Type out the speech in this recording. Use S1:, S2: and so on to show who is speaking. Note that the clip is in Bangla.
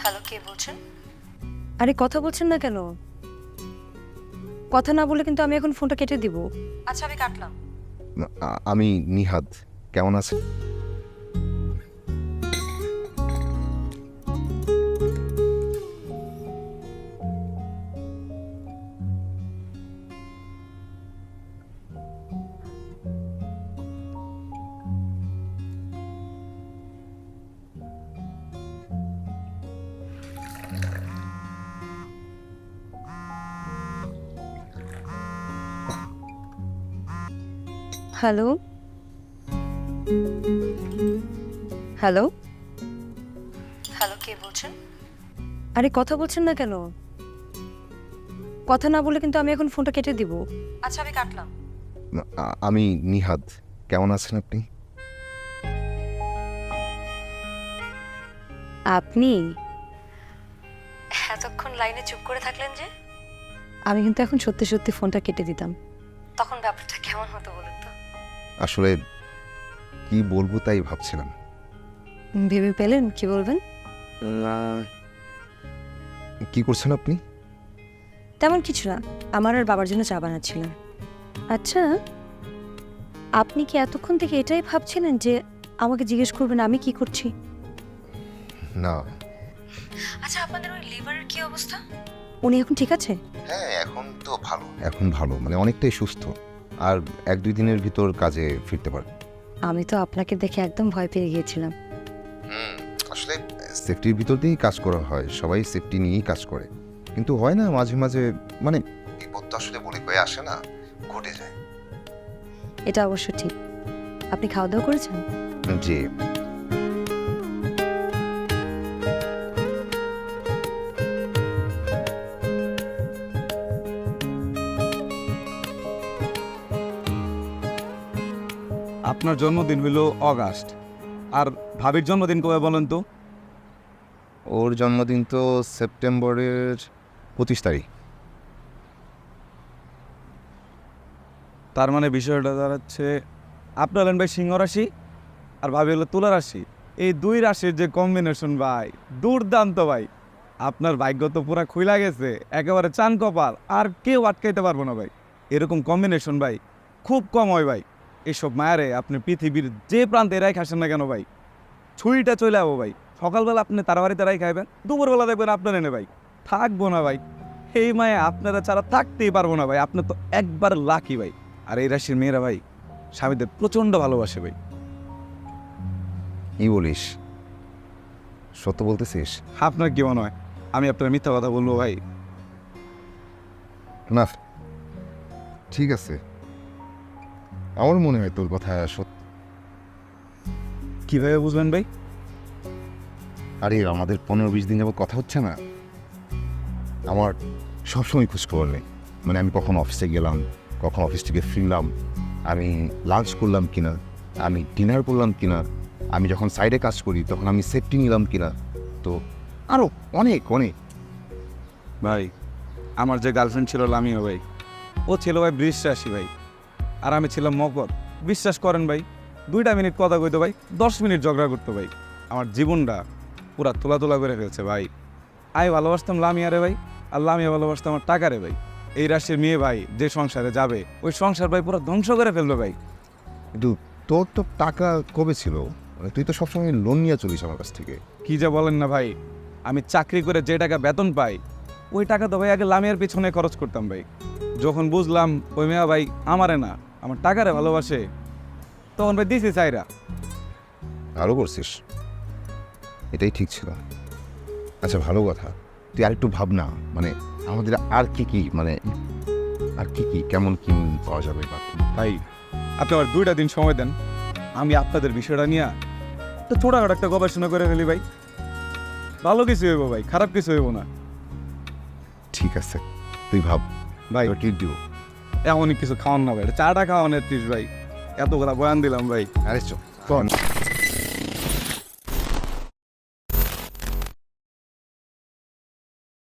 S1: হ্যালো, কে বলছেন? আরে কথা বলছেন না কেন? কথা না বলে কিন্তু আমি এখন ফোনটা কেটে দিব। আচ্ছা, আমি কাটলাম।
S2: আমি নিহাদ। কেমন আছেন?
S1: হ্যালো হ্যালো হ্যালো, কে বলছেন? আরে কথা বলছেন না কেন? কথা না বলে কিন্তু আমি এখন ফোনটা কেটে দিব। আচ্ছা, আমি কাটলাম।
S2: আমি নিহাদ। কেমন আছেন আপনি?
S1: আপনি এতক্ষণ লাইনে চুপ করে থাকলেন যে? আমি কিন্তু এখন সত্যি সত্যি ফোনটা কেটে দিতাম। তখন ব্যাপারটা কেমন হতো বলুন তো?
S2: আসলে কি বলবো তাই ভাবছিলাম।
S1: ভেবে পেলেন কি বলবেন?
S2: কি করছেন আপনি?
S1: তেমন কিছু না, আমার আর বাবার জন্য চা বানাচ্ছিলাম। আচ্ছা, আপনি কি এতক্ষণ থেকে এটাই ভাবছিলেন যে আমাকে জিজ্ঞেস করবেন আমি কি করছি?
S2: না।
S1: আচ্ছা, আপনাদের ওই লিভারের কি অবস্থা? উনি এখন ঠিক আছে?
S2: হ্যাঁ, এখন তো ভালো। এখন ভালো মানে অনেকটাই সুস্থ। আর 1-2 দিনের ভিতর কাজে ফিরতে পারবে।
S1: আমি তো আপনাকে দেখে একদম ভয় পেয়ে গিয়েছিলাম।
S2: আসলে সেফটির ভিতর দিয়েই কাজ করা হয়, সবাই সেফটি নিয়েই কাজ করে। কিন্তু হয় না মাঝে মাঝে, মানে বিপদ তো আসলে বলে কয়ে আসে না, ঘটে যায়।
S1: এটা অবশ্য ঠিক। আপনি খাওয়া দাওয়া করেছেন?
S2: যে
S3: আপনার জন্মদিন হইল অগাস্ট, আর ভাবির জন্মদিন কবে বলেন তো?
S2: ওর জন্মদিন তো সেপ্টেম্বরের 25 তারিখ।
S3: তার মানে বিষয়টা দাঁড়াচ্ছে আপনার হলেন ভাই সিংহ রাশি আর ভাবি হলো তুলা রাশি। এই দুই রাশির যে কম্বিনেশন ভাই, দুর্দান্ত ভাই। আপনার ভাগ্য তো পুরা খুইলা গেছে, একেবারে চান কপাল, আর কেউ আটকাইতে পারবো না ভাই। এরকম কম্বিনেশন ভাই খুব কম হয় ভাই। এইসব মায়ারে আপনি পৃথিবীর যে প্রান্তে এরাই খাসেন না কেন ভাই, ছুরিটা চলে যাবো ভাই। সকালবেলা আপনি তার বাড়িতে রাই খাইবেন, দুপুরবেলা দেখবেন আপনার এনে ভাই থাকবো না ভাই। এই মায়ে আপনারা ছাড়া থাকতেই পারবো না ভাই। আপনি তো একবার লাকি ভাই। আর এই রাশির মেয়েরা ভাই স্বামীদের প্রচণ্ড ভালোবাসে ভাই।
S2: কি বলিস? সত্য বলতেছিস?
S3: আপনার কি মনে হয় আমি আপনার মিথ্যা কথা বলবো ভাই?
S2: না, ঠিক আছে, আমার মনে হয় তোর কথা সত্য।
S3: কিভাবে বুঝবেন ভাই?
S2: আরে আমাদের 15-20 দিন যাবত কথা হচ্ছে না, আমার সবসময় খোঁজখবর নেই। মানে আমি কখন অফিসে গেলাম, কখন অফিস থেকে ফিরলাম, আমি লাঞ্চ করলাম কিনা, আমি ডিনার করলাম কিনা, আমি যখন সাইডে কাজ করি তখন আমি সেফটি নিলাম কিনা, তো আরও অনেক অনেক।
S3: ভাই আমার যে গার্লফ্রেন্ড ছিল লামিয়া ভাই, ও ছিল ভাই বৃষ রাশি ভাই, আর আমি ছিলাম মকর। বিশ্বাস করেন ভাই, 2 মিনিট কথা কইতো ভাই 10 মিনিট ঝগড়া করতো ভাই। আমার জীবনটা পুরা তোলা তোলা করে ফেলছে ভাই। আমি ভালোবাসতাম লামিয়ারে ভাই, আর লামিয়া ভালোবাসতাম আমার টাকারে ভাই। এই রাশির মেয়ে ভাই যে সংসারে যাবে, ওই সংসার ভাই পুরো ধ্বংস করে ফেলবে ভাই।
S2: কিন্তু তোর তো টাকা কবে ছিল? মানে তুই তো সবসময় লোন নিয়ে চলিস আমার কাছ থেকে।
S3: কি যে বলেন না ভাই, আমি চাকরি করে যে টাকা বেতন পাই, ওই টাকা তো ভাই আগে লামিয়ার পিছনে খরচ করতাম ভাই। যখন বুঝলাম ওই মেয়া ভাই আমারে না, আমার টাকারে ভালোবাসে, তখন ভাই দিছি চাইরা।
S2: ভালো করছিস, এটাই ঠিক ছিল। আচ্ছা ভালো কথা, তুই আরেকটু ভাব না, মানে আমাদের আর কি কি, মানে আর কি কি কেমন কি পাওয়া যাবে বাকি।
S3: ভাই আপনি আমার 2টা দিন সময় দেন, আমি আপনাদের বিষয়টা নিয়ে তো ছোটখাটো একটা গবেষণা করে ফেলি ভাই। ভালো কিছু হইব ভাই, খারাপ কিছু হইব না।
S2: ঠিক আছে, তুই ভাব
S3: ভাই
S2: ট্রিট দিব।
S3: এমনই কিছু খাওয়ান না ভাই, চাটা খাওয়ান এত্রিশ ভাই। এত কথা বয়ান দিলাম ভাই।
S2: আরে চল